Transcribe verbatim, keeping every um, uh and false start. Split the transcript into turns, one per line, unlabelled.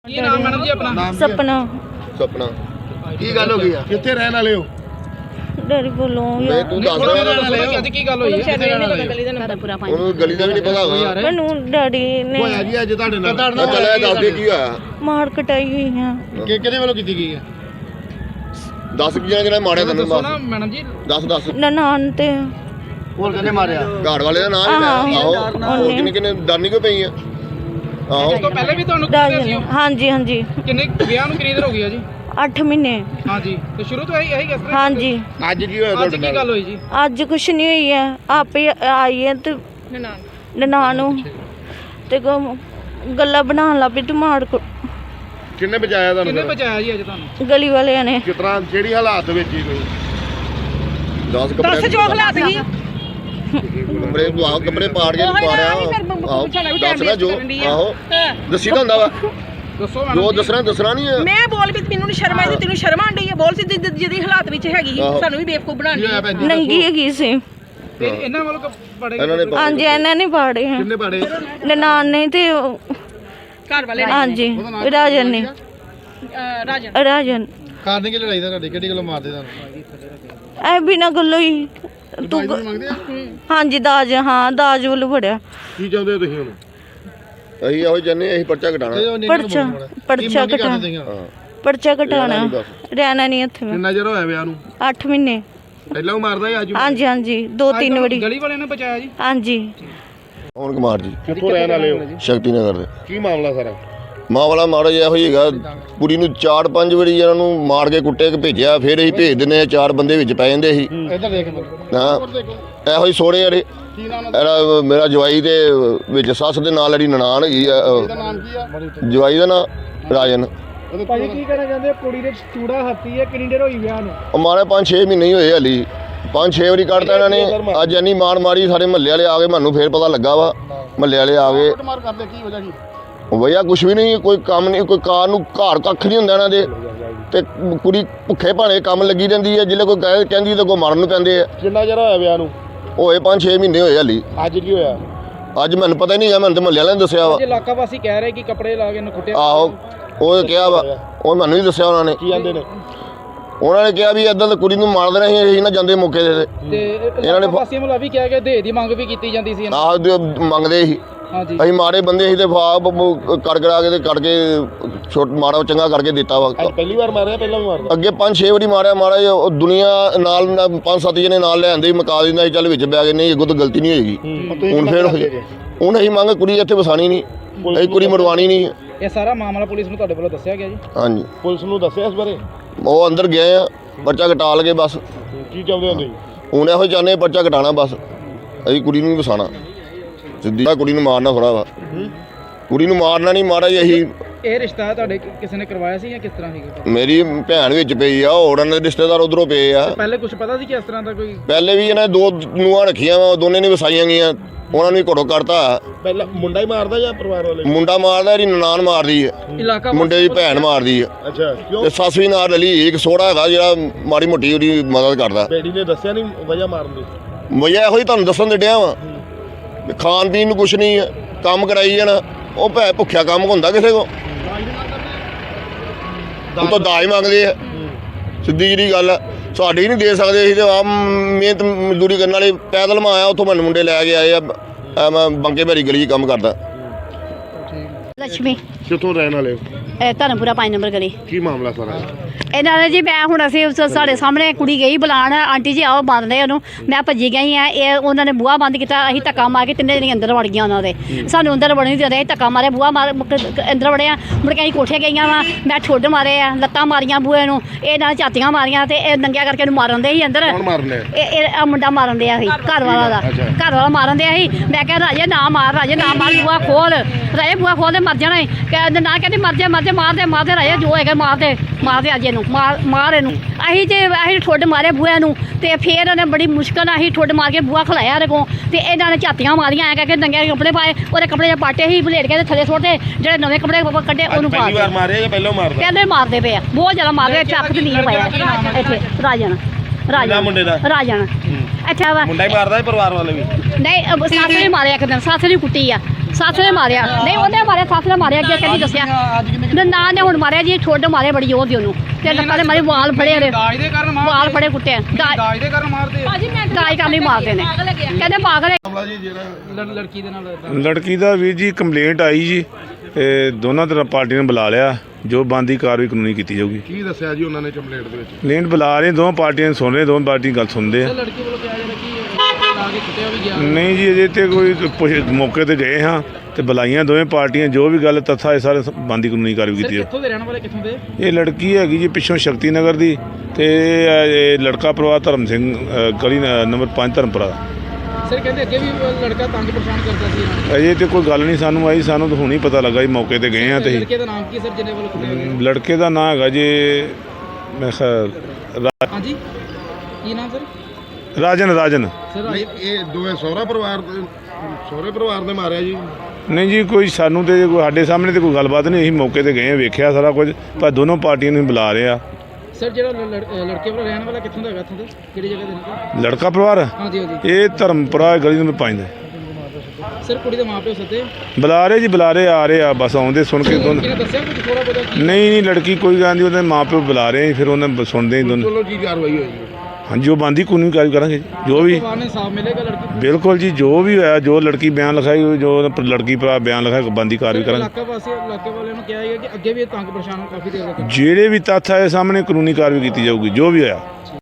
ਕੀ ਨਾਮ ਮੈਡਮ ਜੀ ਆਪਣਾ?
सपना
ਸੁਪਨਾ ਕੀ ਗੱਲ ਹੋ ਗਈ ਆ?
ਕਿੱਥੇ ਰਹਿਣ ਵਾਲੇ ਹੋ?
डर बोलो
ਮੈਂ ਤੂੰ ਦੱਸ
ਥੋੜਾ
ਰਿਹਾ
ਜਿਹਾ ਅੱਜ ਕੀ ਗੱਲ ਹੋਈ ਹੈ? ਕਿੱਥੇ ਰਹਿਣ ਵਾਲੇ ਹੋ?
ਉਹਨੂੰ ਗਲੀ ਦਾ ਵੀ ਨਹੀਂ ਪਤਾ ਹੋਗਾ।
मैनू डैडी ने
ਹੋਇਆ ਜੀ ਅੱਜ ਤੁਹਾਡੇ ਨਾਲ?
ਚੱਲਿਆ ਦੱਸ ਦੇ ਕੀ ਹੋਇਆ।
मार कटाई हुई है।
ਕਿ ਕਿਹਦੇ ਵੱਲੋਂ ਕੀਤੀ ਗਈ ਹੈ?
ਦੱਸ ਕੀ ਜਣਾ ਮਾਰਿਆ ਤੈਨੂੰ
ਦੱਸੋ ਨਾ
ਬਸ
ਮੈਡਮ ਜੀ।
ਦੱਸ ਦੱਸ
ननान ते
ਹੋਰ ਕਿਹਨੇ ਮਾਰਿਆ?
ਘਰ ਵਾਲੇ ਦਾ ਨਾਮ ਹੀ ਲੈ ਆਹੋ ਹੋਰ ਕਿੰਨੇ ਕਿੰਨੇ ਡਰਨੀ ਕਿਉਂ ਪਈ ਆ ਆਹੋ
ਉਸ ਤੋਂ ਪਹਿਲੇ ਵੀ ਤੁਹਾਨੂੰ ਕਿਹਾ ਸੀ?
हाँ जी हाँ जी
ਕਿੰਨੇ ਵਿਆਹ ਨੂੰ ਕਿੰਨੀ ਦੇਰ ਹੋ ਗਈ ਆ ਜੀ?
अठ महीने
ਹਾਂਜੀ ਤੇ ਸ਼ੁਰੂ ਤੋਂ ਇਹੀ ਇਹੀ ਕਿਸ ਤਰ੍ਹਾਂ?
हाँ जी
ਅੱਜ ਕੀ ਹੋਇਆ
ਅੱਜ
ਤੁਹਾਡੇ
ਕੀ
ਨਾਲ?
ਗੱਲ ਹੋਈ ਜੀ?
अज कुछ नहीं हुई है आप ही आई है तो ननान ते गल्ला बनाने लग पी तू मार को
ਕਿੰਨੇ ਬਚਾਇਆ ਤੁਹਾਨੂੰ
ਕਿੰਨੇ
ਫਿਰ?
ਬਚਾਇਆ ਜੀ ਅੱਜ ਤੁਹਾਨੂੰ?
गली वाले ने
ਕਿਸ ਤਰ੍ਹਾਂ ਜਿਹੜੀ ਹਾਲਾਤ ਵਿੱਚ ਹੀ ਕੋਈ
ਦਸ ਕੱਪੜੇ
ਜੋ ਹਾਲਾਤ ਸੀ
ਕੱਪੜੇ ਤੂੰ ਆਹ ਕੱਪੜੇ ਪਾੜ ਕੇ ਪਾੜਿਆ ਆਹੋ ਦੱਸ ਨਾ ਜੋ ਆਹੋ ਦੱਸੀ ਤਾਂ ਹੁੰਦਾ ਵਾ
ਦੱਸੋ ਮੈਡਮ
ਜੋ
ਜੀ।
ਦੱਸਣਾ ਦੱਸਣਾ ਨਹੀਂ ਹੈ
ਮੈਂ ਬੋਲ ਵੀ ਮੈਨੂੰ ਨਹੀਂ ਸ਼ਰਮ ਆਈ ਤੇ ਤੈਨੂੰ ਸ਼ਰਮ ਆਂਦੀ ਹੈ ਬੋਲ ਸੀ ਜਿ- ਜਿਹਦੀ ਹਾਲਾਤ ਵਿੱਚ ਹੈਗੀ ਸੀ,
ਆਹੋ।
ਸਾਨੂੰ ਵੀ ਬੇਵਕੂਫ ਬਣਾਉਣੀ ਹੈ।
नंगी हैगी सी
ਤੇ ਇਹਨਾਂ ਵੱਲੋਂ ਪੜੇ
ਇਹਨਾਂ ਨੇ
हाँ जी इन्होंने पाड़े हैं
ਕਿੰਨੇ ਪਾੜੇ?
ननान ने ते
ਘਰ ਵਾਲੇ
हाँ जी राजन ने
ਅਹ, ਰਾਜਨ
राजन
ਕਾਰਨ ਕੀ ਲੜਾਈ ਦਾ ਤੁਹਾਡੀ ਕਿਹੜੀ ਗੱਲੋਂ ਮਾਰਦੇ ਤੁਹਾਨੂੰ?
ऐ बिना गल्लो ही तू
ਮੰਗਦੇ ਆ?
हाँ जी दाज हाँ दाज वालू फड़िया
ਕੀ ਚਾਹੁੰਦੇ ਹੋ ਤੁਸੀਂ ਹੁਣ?
ਅਸੀਂ ਇਹੋ ਜੰਨੇ ਅਸੀਂ ਪਰਚਾ ਘਟਾਣਾ
पर्चा पर्चा कटा
ਹਾਂ
पर्चा कटाना
नहीं बस।
रहना नहीं इत्थे में
ਕਿੰਨਾ ਚਿਰ ਹੋਇਆ ਵਿਆਹ ਨੂੰ?
अठ महीने
ਪਹਿਲਾਂ ਉਹ ਮਾਰਦਾ ਸੀ ਅੱਜ
हाँ जी हाँ जी दो
ਅੱਜ
तीन
ਤੁਹਾਨੂੰ
बड़ी
ਗਲੀ ਵਾਲਿਆਂ ਨੇ ਬਚਾਇਆ ਜੀ?
हाँ जी
ਕੌਣ ਕੁਮਾਰ ਜੀ
ਕਿੱਥੋਂ ਰਹਿਣ ਵਾਲੇ ਹੋ?
ਸ਼ਕਤੀ ਨਗਰ ਦੇ
ਕੀ ਮਾਮਲਾ ਸਾਰਾ?
ਮਾਂ ਵਾਲਾ ਮਾੜਾ ਜਿਹਾ ਇਹੋ ਹੀ ਹੈਗਾ ਕੁੜੀ ਨੂੰ ਚਾਰ ਪੰਜ ਵਾਰੀ ਇਹਨਾਂ ਨੂੰ ਮਾਰ ਕੇ ਕੁੱਟੇ ਕੇ ਭੇਜਿਆ ਫਿਰ ਅਸੀਂ ਭੇਜ ਦਿੰਦੇ ਆ ਚਾਰ ਬੰਦੇ ਵਿੱਚ ਪੈ ਜਾਂਦੇ ਸੀ
ਇੱਧਰ ਦੇਖ
ਹਾਂ ਇਹੋ ਹੀ ਸੋਹਣੇ ਜਿਹੜੇ
ਕੀ ਨਾਮ
ਇਹਦਾ ਮੇਰਾ ਜਵਾਈ ਦੇ ਵਿੱਚ ਸੱਸ ਦੇ ਨਾਲ ਜਿਹੜੀ ਨਨਾਣ ਹੈਗੀ ਆ ਅਹ,
ਨਾਮ ਕੀ ਆ?
ਜਵਾਈ ਦਾ ਨਾਂ ਰਾਜਨ
ਭਾਜੀ ਕੀ ਕਹਿਣਾ ਚਾਹੁੰਦੇ? ਕੁੜੀ ਦੇ ਚੂੜਾ ਹੱਤੀ ਹੈ, ਕਿੰਨੀ ਦੇਰ ਹੋਈ ਵਿਆਹ ਨੂੰ?
ਉਹ ਮਾਰੇ ਪੰਜ ਛੇ ਮਹੀਨੇ ਹੀ ਹੋਏ ਹਲੀ ਪੰਜ ਛੇ ਵਾਰੀ ਕੱਢਤਾ ਇਹਨਾਂ ਨੇ ਅੱਜ ਇੰਨੀ ਮਾਰ ਮਾਰੀ ਸਾਰੇ ਮਹੱਲੇ ਵਾਲੇ ਆ ਗਏ ਮੈਨੂੰ ਫੇਰ ਪਤਾ ਲੱਗਾ ਵਾ ਮਹੱਲੇ ਵਾਲੇ ਆ ਗਏ
ਮਾਰ ਕਰਦੇ ਕੀ ਵਜ੍ਹਾ ਕੀ?
ਵਈਆ ਕੁਛ ਵੀ ਨਹੀਂ ਕੋਈ ਕੰਮ ਨਹੀਂ ਕੋਈ ਕਾਰ ਨੂੰ ਘਰ ਕੱਖ ਨਹੀਂ ਹੁੰਦਾ ਇਹਨਾਂ ਦੇ ਤੇ ਕੁੜੀ ਭੁੱਖੇ ਭਾਣੇ ਕੰਮ ਲੱਗੀ ਰਹਿੰਦੀ ਹੈ ਜਿੱਲੇ ਕੋਈ ਕਹਿ ਕਹਿੰਦੀ ਤਾਂ ਕੋਈ ਮਰਨ ਨੂੰ ਪੈਂਦੇ ਆ
ਕਿੰਨਾ ਚਿਰ ਹੋਇਆ ਵਿਆਹ ਨੂੰ?
ਹੋਏ ਪੰਜ ਛੇ ਮਹੀਨੇ ਹੋਏ ਹਲੀ
ਅੱਜ ਕੀ ਹੋਇਆ?
ਅੱਜ ਮੈਨੂੰ ਪਤਾ ਹੀ ਨਹੀਂ ਹੈ ਮੈਨੂੰ ਤੇ ਮਹੱਲੇ ਵਾਲਿਆਂ ਨੇ ਦੱਸਿਆ ਵਾ
ਅੱਜ ਇਲਾਕਾ ਵਾਸੀ ਕਹਿ ਰਹੇ ਕਿ ਕੱਪੜੇ ਲਾ ਕੇ ਇਹਨੂੰ ਕੁੱਟਿਆ।
ਆਹੋ ਉਹ ਕਿਹਾ ਵਾ ਉਹ ਮੈਨੂੰ ਨਹੀਂ ਦੱਸਿਆ ਉਹਨਾਂ ਨੇ
ਕੀ ਆਂਦੇ ਨੇ?
ਉਹਨਾਂ ਨੇ ਕਿਹਾ ਵੀ ਏਦਾਂ ਤਾਂ ਕੁੜੀ ਨੂੰ ਮਾਰ ਦੇਣਾ ਸੀ ਅਸੀਂ ਨਾ ਜਾਂਦੇ ਮੌਕੇ ਦੇ
ਤੇ
ਇਹਨਾਂ ਨੇ
ਇਲਾਕਾ ਵਾਸੀਆਂ ਵੱਲੋਂ ਵੀ ਕਿਹਾ ਗਿਆ ਦੇ ਦੀ ਮੰਗ ਵੀ ਕੀਤੀ ਜਾਂਦੀ ਸੀ।
ਆਹ ਜੋ ਮੰਗਦੇ ਸੀ
ਹਾਂਜੀ
ਅਸੀਂ ਮਾਰੇ ਬੰਦੇ ਸੀ ਤੇ ਫਾਬ ਕਰ ਕਰਾ ਕੇ ਤੇ ਕੱਢ ਕੇ ਛੋਟ ਮਾਰਾ ਚੰਗਾ ਕਰਕੇ ਦਿੱਤਾ ਵਾ
ਅੱਜ ਪਹਿਲੀ ਵਾਰ ਮਾਰਿਆ ਪਹਿਲਾਂ ਵੀ ਮਾਰਦਾ?
ਅੱਗੇ ਪੰਜ ਛੇ ਵਾਰੀ ਮਾਰਿਆ ਮਾਰਾ ਜਿਹਾ, ਉਹ ਦੁਨੀਆ ਨਾਲ ਨਾ ਪੰਜ ਸੱਤ ਜਣੇ ਨਾਲ ਲੈ ਆਂਦੇ ਮਕਾ ਦਿੰਦਾ ਸੀ ਚੱਲ ਵਿੱਚ ਬੈ ਗਏ ਨਹੀਂ ਅੱਗੋਂ ਤਾਂ ਗਲਤੀ ਨਹੀਂ ਹੋਏਗੀ ਹੁਣ ਫੇਰ ਹੋਈ ਹੁਣ ਅਸੀਂ ਮੰਗ ਕੁੜੀ ਇੱਥੇ ਵਸਾਣੀ ਨਹੀਂ ਅਸੀਂ ਕੁੜੀ ਮਰਵਾਣੀ ਨਹੀਂ
ਇਹ ਸਾਰਾ ਮਾਮਲਾ ਪੁਲਿਸ ਨੂੰ ਤੁਹਾਡੇ ਵੱਲੋਂ ਦੱਸਿਆ ਗਿਆ ਜੀ?
ਹਾਂਜੀ
ਪੁਲਿਸ ਨੂੰ ਦੱਸਿਆ ਇਸ ਬਾਰੇ?
ਉਹ ਅੰਦਰ ਗਏ ਆ ਪਰਚਾ ਕਟਾ ਲਗੇ ਬਸ
ਕੀ ਚਾਹੁੰਦੇ ਹੋ ਤੁਸੀਂ?
ਹੁਣ ਇਹੋ ਚਾਹੁੰਦੇ ਪਰਚਾ ਕਟਾਣਾ ਬਸ ਅਸੀਂ ਕੁੜੀ ਨੂੰ ਨਹੀਂ ਵਸਾਣਾ ਸਿੱਧੀ ਕੁੜੀ ਨੂੰ ਮਾਰਨਾ ਥੋੜਾ ਵਾ ਕੁੜੀ ਨੂੰ ਮਾਰਨਾ ਨਹੀਂ ਮਾਰਾ ਜੀ ਅਸੀਂ
ਇਹ ਰਿਸ਼ਤਾ ਤੁਹਾਡੇ ਕਿ- ਕਿਸੇ ਨੇ ਕਰਵਾਇਆ ਸੀ ਜਾਂ ਕਿਸ ਤਰ੍ਹਾਂ ਸੀਗਾ?
ਮੇਰੀ ਭੈਣ ਵਿੱਚ ਪਈ ਆ ਹੋਰ ਇਹਨਾਂ ਦੇ ਰਿਸ਼ਤੇਦਾਰ ਉਧਰੋਂ ਪਏ ਆ
ਪਹਿਲੇ ਕੁਝ ਪਤਾ ਸੀ ਕਿ ਇਸ ਤਰ੍ਹਾਂ ਦਾ ਕੋਈ?
ਪਹਿਲੇ ਵੀ ਇਹਨਾਂ ਨੇ ਦੋ ਨੂੰਹਾਂ ਰੱਖੀਆਂ ਵਾ ਦੋਨੇ ਨੇ ਵਸਾਈਆਂ ਗਈਆਂ ਉਹਨਾਂ ਨੂੰ ਵੀ ਘੜੋ ਕਰਤਾ
ਪਹਿਲਾਂ ਮੁੰਡਾ ਹੀ ਮਾਰਦਾ ਜਾਂ ਪਰਿਵਾਰ ਵਾਲੇ?
ਮੁੰਡਾ ਮਾਰਦਾ ਇਹਦੀ ਨਨਾਣ ਮਾਰਦੀ ਹੈ
ਇਲਾਕਾ
ਮੁੰਡੇ ਦੀ ਭੈਣ ਮਾਰਦੀ ਹੈ
ਅੱਛਾ ਕਿਉਂ?
ਤੇ ਸੱਸ ਵੀ ਨਾਲ ਰਲੀ ਇੱਕ ਸੋੜਾ ਹੈਗਾ ਜਿਹੜਾ ਮਾੜੀ ਮੋਟੀ ਉਹਦੀ ਮਦਦ ਕਰਦਾ
ਬੇੜੀ ਨੇ ਦੱਸਿਆ ਨਹੀਂ ਵਜ੍ਹਾ ਮਾਰਨ ਦੀ?
ਵਜ੍ਹਾ ਇਹੋ ਹੀ ਤੁਹਾਨੂੰ ਦੱਸਣ ਦੇ ਡਿਆ ਵਾ ਖਾਣ ਪੀਣ ਨੂੰ ਕੁਛ ਨਹੀਂ ਹੈ ਕੰਮ ਕਰਾਈ ਜਾਣਾ ਉਹ ਭੈ ਭੁੱਖਿਆ ਕੰਮ ਹੁੰਦਾ ਕਿਸੇ ਕੋ ਉਹ ਤਾਂ ਦਾਜ ਮੰਗਦੇ ਆ ਸਿੱਧੀ ਜਿਹੜੀ ਗੱਲ ਆ ਸਾਡੀ ਨਹੀਂ ਦੇ ਸਕਦੇ ਅਸੀਂ ਤੇ ਆ ਮਿਹਨਤ ਮਜ਼ਦੂਰੀ ਕਰਨ ਵਾਲੇ ਪੈਦਲ ਮੈਂ ਆਇਆ ਉੱਥੋਂ ਮੈਨੂੰ ਮੁੰਡੇ ਲੈ ਕੇ ਆਏ ਆ ਆ ਮੈਂ ਬੰਕੇ ਭੈਰੀ ਗਲੀ 'ਚ ਕੰਮ ਕਰਦਾ
ਲక్ష్ਮੀ
ਕਿੱਥੋਂ ਰਹਿਣ ਵਾਲੇ ਹੋ?
ਇਹ ਧਰਮਪੁਰਾ ਪੰਜ ਨੰਬਰ ਗਲੀ।
ਕੀ ਮਾਮਲਾ ਸਾਰਾ?
ਇਹਨਾਂ ਨੇ ਜੀ ਮੈਂ ਹੁਣ ਅਸੀਂ ਉਸ- ਸਾਡੇ ਸਾਹਮਣੇ ਕੁੜੀ ਗਈ ਬੁਲਾਉਣ ਆਂਟੀ ਜੀ ਆਓ ਬੰਦ ਲੈ ਉਹਨੂੰ ਮੈਂ ਭੱਜੀ ਗਈ ਆ ਇਹ ਉਹਨਾਂ ਨੇ ਬੂਹਾ ਬੰਦ ਕੀਤਾ ਅਸੀਂ ਧੱਕਾ ਮਾਰ ਕੇ ਤਿੰਨੇ ਜਣੇ ਅੰਦਰ ਵੜ ਗਈਆਂ ਉਹਨਾਂ ਦੇ ਸਾਨੂੰ ਅੰਦਰ ਵੜਨ ਨਹੀਂ ਦਿੰਦੇ ਅਸੀਂ ਧੱਕਾ ਮਾਰੇ ਬੂਹਾ ਮਾਰ ਮੁੜ ਕੇ ਅੰਦਰ ਵੜਿਆ ਮੁੜ ਕੇ ਅਸੀਂ ਕੋਠੇ ਗਈਆਂ ਵਾ ਮੈਂ ਠੁੱਡ ਮਾਰੇ ਆ ਲੱਤਾਂ ਮਾਰੀਆਂ ਬੂਹੇ ਨੂੰ ਇਹ ਨਾਲ ਝਾਤੀਆਂ ਮਾਰੀਆਂ ਤੇ ਇਹ ਨੰਗਿਆ ਕਰਕੇ ਇਹਨੂੰ ਮਾਰਨ ਦੇ ਸੀ ਅੰਦਰ
ਕੌਣ ਮਾਰਨ ਲਿਆ?
ਇਹ ਇਹ ਆਹ ਮੁੰਡਾ ਮਾਰਨ ਦਿਆ ਸੀ ਘਰ ਵਾਲਾ ਦਾ ਘਰ ਵਾਲਾ ਮਾਰਨ ਦਿਆ ਸੀ ਮੈਂ ਕਿਹਾ ਰਾਜੇ ਨਾ ਮਾਰ ਰਾਜੇ ਨਾ ਮਾਰ ਬੂਹਾ ਖੋਲ ਰਾਜੇ ਬੂਹਾ ਖੋਲ ਦੇ ਮਰ ਜਾਣਾ ਈ। ਕਹਿੰਦੇ ਨਾ ਕਹਿੰਦੀ ਮਰ ਜਾ ਮਰ ਜਾ ਮਾਰ ਦੇ ਮਾਰ ਦੇ ਰਾਜੇ ਜੋ ਹੈਗਾ ਮਾਰ ਦੇ ਮਾਰ ਦੇ ਅੱਜ ਇਹਨੂੰ ਮਾਰ ਮਾਰ ਇਹਨੂੰ ਅਸੀਂ ਤੇ ਅਸੀਂ ਠੁੱਡ ਮਾਰੇ ਬੂਹੇ ਨੂੰ ਤੇ ਫੇਰ ਉਹਨੇ ਬੜੀ ਮੁਸ਼ਕਲ ਨਾਲ ਅਸੀਂ ਠੁੱਡ ਮਾਰ ਕੇ ਬੂਹਾ ਖਲਾਇਆ ਇਹਦੇ ਕੋਲ ਤੇ ਇਹਨਾਂ ਨੇ ਝਾਤੀਆਂ ਮਾਰੀਆਂ ਐ ਕਰਕੇ ਨੰਗੇ ਕੱਪੜੇ ਪਾਏ ਉਹਦੇ ਕੱਪੜੇ ਜੇ ਪਾਟੇ ਸੀ ਬਲੇਡ ਕੇ ਥੱਲੇ ਸੁੱਟਦੇ ਜਿਹੜੇ ਨਵੇਂ ਕੱਪੜੇ ਕੱਢੇ ਉਹਨੂੰ ਪਾ
ਪਹਿਲੀ ਵਾਰ
ਦਿੱਤੇ
ਮਾਰਿਆ ਜਾਂ ਪਹਿਲਾਂ ਮਾਰਦਾ?
ਕਹਿੰਦੇ ਮਾਰਦੇ ਪਏ ਆ ਬਹੁਤ ਜ਼ਿਆਦਾ ਮਾਰਦੇ ਚੱਕ ਤੇ ਨਹੀਂ ਪਾਇਆ ਇੱਥੇ ਰਾਜਨ ਰਾਜਨ
ਮੁੰਡੇ ਦਾ?
ਰਾਜਨ ਅੱਛਾ ਵਾ
ਮੁੰਡਾ ਹੀ ਮਾਰਦਾ ਹੈ ਪਰਿਵਾਰ ਵਾਲੇ ਵੀ?
ਨਹੀਂ ਅਹ ਸੱਸ ਨੇ ਮਾਰਿਆ ਇੱਕ ਦਿਨ ਸੱਸ ਨੇ ਕੁੱਟੀ ਆ ਸੱਸ ਨੇ ਮਾਰਿਆ ਨਹੀਂ ਉਹਨੇ ਮਾਰਿਆ ਸੱਸ ਨੇ ਮਾਰਿਆ ਅੱਗੇ ਕਹਿੰਦੀ ਦੱਸਿਆ ਨਨਾਣ ਨੇ ਹੁਣ ਮਾਰਿਆ ਜੀ ਛੋਟੇ ਮਾਰੇ ਬੜੀ ਜ਼ੋਰ ਦੀ ਉਹਨੂੰ ਤੇ ਲੱਕਾਂ ਦੇ ਮਾਰੇ ਵਾਲ ਫੜੇ ਨੇ
ਦਾਜ ਦੇ ਕਾਰਨ
ਵਾਲ
ਮਾਰਦੇ
ਫੜੇ ਕੁੱਟੇ ਦਾਜ
ਦਾਜ ਦੇ ਕਾਰਨ ਮਾਰਦੇ
ਦਾਜ ਕਰਨ ਲਈ ਮਾਰਦੇ ਨੇ ਕਹਿੰਦੇ ਪਾਗਲ ਹੈ।
ਲੜ- ਲੜਕੀ ਦੇ ਨਾਲ ਏਦਾਂ।
ਲੜਕੀ ਦਾ ਵੀਰ ਜੀ ਕੰਪਲੇਂਟ ਆਈ ਜੀ ਇਹ ਦੋਨਾਂ ਤਰ੍ਹਾਂ ਪਾਰਟੀਆਂ ਨੇ ਬੁਲਾ ਲਿਆ ਜੋ ਬੰਦੀ ਕਾਰਵਾਈ ਕਾਨੂੰਨੀ ਕੀਤੀ ਜਾਊਗੀ।
ਕੀ ਦੱਸਿਆ ਜੀ ਉਹਨਾਂ ਨੇ ਕੰਪਲੇਂਟ ਦੇ ਵਿੱਚ?
ਕੰਪਲੇਂਟ ਬੁਲਾ ਰਹੇ ਦੋਵਾਂ ਪਾਰਟੀਆਂ ਨੂੰ ਸੁਣ ਰਹੇ ਦੋਵਾਂ ਪਾਰਟੀ ਗੱਲ ਸੁਣਦੇ ਆ।
ਸਰ ਲੜਕੀ ਵੱਲੋਂ ਕਿਹਾ ਜਾ ਰਿਹਾ ਕਿ ਲਾ ਕੇ ਕੁੱਟਿਆ ਵੀ ਗਿਆ।
ਨਹੀਂ ਜੀ ਅਜੇ ਤੇ ਕੋਈ ਪੁੱਛ- ਮੌਕੇ ਤੇ ਗਏ ਹਾਂ ਤੇ ਬੁਲਾਈਆਂ ਦੋਵੇਂ ਪਾਰਟੀਆਂ ਜੋ ਵੀ ਗੱਲ ਤੱਥਾ ਇਹ ਸਾਰੇ ਬੰਦੀ ਕਾਨੂੰਨੀ ਕਾਰਵਾਈ
ਸਰ
ਕੀਤੀ ਹੈ।
ਕਿੱਥੋਂ ਦੇ ਰਹਿਣ ਵਾਲੇ ਕਿੱਥੋਂ ਦੇ?
ਇਹ ਲੜਕੀ ਹੈਗੀ ਜੀ ਪਿੱਛੋਂ ਸ਼ਕਤੀ ਨਗਰ ਦੀ ਤੇ ਇਹ ਲੜਕਾ ਪਰਿਵਾਰ ਧਰਮ ਸਿੰਘ ਅ, ਗਲੀ ਨ- ਨੰਬਰ ਪੰਜ ਧਰਮਪੁਰਾ ਦਾ।
ਸਰ ਕਹਿੰਦੇ ਅੱਗੇ ਵੀ ਲੜਕਾ ਤੰਗ ਪਰੇਸ਼ਾਨ ਕਰਦਾ ਸੀ ਇਹਨਾਂ ਨੂੰ।
ਅਜੇ ਤੇ ਕੋਈ ਗੱਲ ਨਹੀਂ ਸਾਨੂੰ ਆਈ ਸਾਨੂੰ ਤਾਂ ਹੁਣ ਹੀ ਪਤਾ ਲੱਗਾ ਜੀ ਮੌਕੇ ਤੇ ਗਏ ਹਾਂ ਤੇ
ਲੜਕੇ ਦਾ ਨਾਮ ਕੀ ਸਰ ਜਿਹਨੇ ਵੱਲੋਂ ਕੁੱਟਿਆ ਗਿਆ?
ਲੜਕੇ ਦਾ ਨਾਂ ਹੈਗਾ ਜੀ ਮੈਂ ਖਿਆਲ ਰਾ-
ਹਾਂਜੀ ਕੀ ਨਾਮ ਸਰ?
ਰਾਜਨ ਰਾਜਨ
ਸਰ
ਨਹੀਂ ਇਹ ਦੋਵੇਂ ਸਹੁਰਾ ਪਰਿਵਾਰ ਦੇ ਸਹੁਰੇ ਪਰਿਵਾਰ ਨੇ ਮਾਰਿਆ ਜੀ?
ਨਹੀਂ ਜੀ ਕੋਈ ਸਾਨੂੰ ਤੇ ਕੋਈ ਸਾਡੇ ਸਾਹਮਣੇ ਤੇ ਕੋਈ ਗੱਲਬਾਤ ਨਹੀਂ ਅਸੀਂ ਮੌਕੇ ਤੇ ਗਏ ਹਾਂ ਵੇਖਿਆ ਸਾਰਾ ਕੁਝ ਪਰ ਦੋਨੋਂ ਪਾਰਟੀਆਂ ਨੂੰ ਬੁਲਾ ਰਹੇ ਆ।
ਸਰ ਜਿਹੜਾ ਲੜ- ਲੜ- ਲੜਕੇ ਵੱਲੋਂ ਰਹਿਣ ਵਾਲਾ ਕਿੱਥੋਂ ਦਾ ਹੈਗਾ ਇੱਥੋਂ ਦੇ ਕਿਹੜੀ ਜਗ੍ਹਾ ਦੇ ਨਾਲ?
ਲੜਕਾ ਪਰਿਵਾਰ
ਹਾਂਜੀ ਹਾਂਜੀ।
ਇਹ ਧਰਮਪੁਰਾ ਗਲੀ ਨੰਬਰ ਪੰਜ ਦਾ
ਸਰ ਕੁੜੀ ਦੇ ਮਾਪਿਓ ਸੱਦੇ
ਬੁਲਾ ਰਹੇ ਜੀ ਬੁਲਾ ਰਹੇ ਆ ਰਹੇ ਆ ਬਸ ਆਉਂਦੇ ਸੁਣ ਕੇ ਦੋਨ
ਕਿਹਨੇ ਦੱਸਿਆ ਕੁਝ ਥੋੜਾ ਬਹੁਤਾ ਕੀ?
ਨਹੀਂ ਨਹੀਂ ਲੜਕੀ ਕੋਈ ਗੱਲ ਨਹੀਂ ਉਹਦੇ ਮਾਪਿਓ ਬੁਲਾ ਰਹੇ ਆ, ਫਿਰ ਉਹਨਾਂ ਬ- ਸੁਣਦੇ ਹੀ ਦੋਨੋਂ।
ਚਲੋ ਕੀ ਕਾਰਵਾਈ ਹੋਈ?
ਹਾਂਜੀ ਜੋ ਬੰਦੀ ਕਾਨੂੰਨੀ ਕਾਰਵਾਈ ਕਰਾਂਗੇ ਜੀ, ਜੋ ਵੀ
ਪਰਿਵਾਰ ਨੇ ਇਨਸਾਫ ਮਿਲੇਗਾ ਲੜਕੀ ਨੂੰ?
ਬਿਲਕੁਲ ਜੀ ਜੋ ਵੀ ਹੋਇਆ ਜੋ ਲੜਕੀ ਬਿਆਨ ਲਿਖਾਈ ਜੋ ਲੜਕੀ ਭਰਾ ਬਿਆਨ ਲਿਖਾਇਆ ਬੰਦੀ ਕਾਰਵਾਈ ਕਰਾਂਗੇ।
ਇਲਾਕਾ ਵਾਸੀ ਇਲਾਕੇ ਵਾਲਿਆਂ ਨੂੰ ਕਿਹਾ ਹੈ ਕਿ ਅੱਗੇ ਵੀ ਇਹ ਤੰਗ ਪਰੇਸ਼ਾਨ ਕਾਫੀ ਦੇਰ ਤੱਕ
ਜਿਹੜੇ ਵੀ ਤੱਥ ਆਏ ਸਾਹਮਣੇ ਕਾਨੂੰਨੀ ਕਾਰਵਾਈ ਕੀਤੀ ਜਾਊਗੀ ਜੋ ਵੀ ਹੋਇਆ।